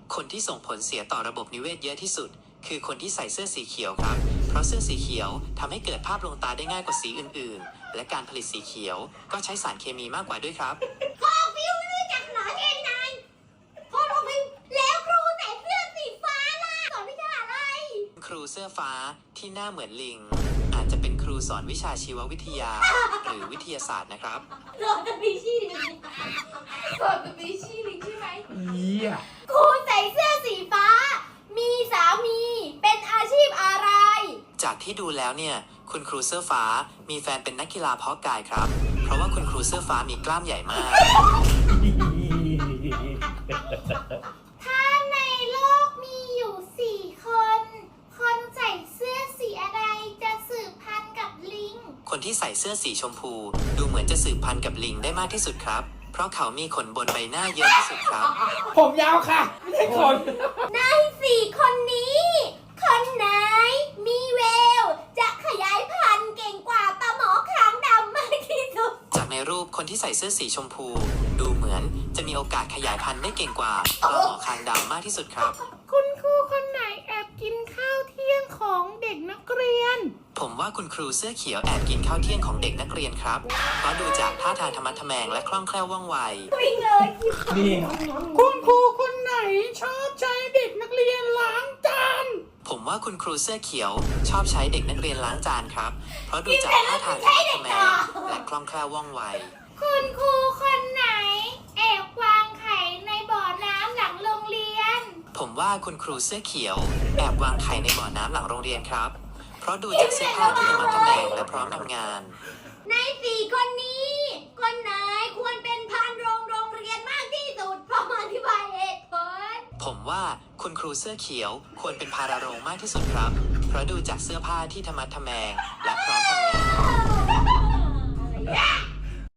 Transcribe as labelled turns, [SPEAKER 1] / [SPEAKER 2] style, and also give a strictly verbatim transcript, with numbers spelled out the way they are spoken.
[SPEAKER 1] คนที่ส่งผลเสียต่อระบบนิเวศเยอะที่สุดคือคนที่ใส่เสื้อสีเขียวครับเพราะเสื้อสีเขียวทำให้เกิดภาพลวงตาได้ง่ายกว่าสีอื่นๆและการผลิตสีเขียวก็ใช้สารเคมีมากกว่าด้วยครับ
[SPEAKER 2] ครูฟิวไม่รู้จักเหรอเอ็นนายครูฟิวแล้วครูใส่เสื้อสีฟ้าล่ะสอนวิชาอะไร
[SPEAKER 1] ครูเสื้อฟ้าที่หน้าเหมือนลิงอาจจะเป็นครูสอนวิชาชีววิทยาหรือวิทยาศาสตร์นะครับ
[SPEAKER 2] สอนสปีชีส์ลิงสอนสปีชีส์ลิงใช่ไหม
[SPEAKER 3] เยี่ย
[SPEAKER 2] ครูใส่เสื้อสีฟ้ามีสามีเป็นอาชีพอะไร
[SPEAKER 1] จากที่ดูแล้วเนี่ยคุณครูเสื้อฟ้ามีแฟนเป็นนักกีฬาเพาะกายครับเพราะว่าคุณครูเสื้อฟ้ามีกล้ามใหญ่มาก
[SPEAKER 2] ถ้าในโลกมีอยู่สี่คนคนใส่เสื้อสีอะไรจะสืบพันธุ์กับลิง
[SPEAKER 1] คนที่ใส่เสื้อสีชมพูดูเหมือนจะสืบพันธุ์กับลิงได้มากที่สุดครับเพราะเขามีขนบนใบหน้าเยอะที่สุดครับ
[SPEAKER 3] ผมยาวค่ะไม่ใช่ขน
[SPEAKER 2] ในสี่คนนี้คนไหนมีแววจะขยายพันธุ์เก่งกว่าปลาหมอคางดำมากที่สุด
[SPEAKER 1] จากในรูปคนที่ใส่เสื้อสีชมพูดูเหมือนจะมีโอกาสขยายพันธุ์ได้เก่งกว่าปลาหมอคางดำมากที่สุดครับ
[SPEAKER 2] คุณครูคนไหนแอบกินข้าวเที่ยงของเด็กนักเรียน
[SPEAKER 1] ผมว่าคุณครูเสื้อเขียวแอบกินข้าวเที่ยงของเด็กนักเรียนครับเพราะดูจากท่าทางธรรมะทแมงและคล่องแคล่วว่องไว
[SPEAKER 2] วิ่งเลย
[SPEAKER 3] นี่คุณครูคนไหนชอบใช้เด็กนักเรียนล้างจาน
[SPEAKER 1] ผมว่าคุณครูเสื้อเขียวชอบใช้เด็กนักเรียนล้างจานครับเพราะดูจากท่าทางธรรมะทแมงและคล่องแคล่วว่องไว
[SPEAKER 2] คุณครูคนไหนแอบวางไข่ในบ่อน้ำหลังโรงเรียน
[SPEAKER 1] ผมว่าคุณครูเสื้อเขียวแอบวางไข่ในบ่อน้ำหลังโรงเรียนครับเพราะดูจากเสื้อผ้าที่ธรรมะทแมงและพร้อมทำงาน
[SPEAKER 2] ในสี่คนนี้คนไหนควรเป็นพานโรงโรงเรียนมากที่สุดพร้อมอธิบายเหตุผล
[SPEAKER 1] ผมว่าคุณครูเสื้อเขียวควรเป็นพาราโรงมากที่สุดครับเพราะดูจากเสื้อผ้าที่ธรรมะทแมงและพร้อมทำงาน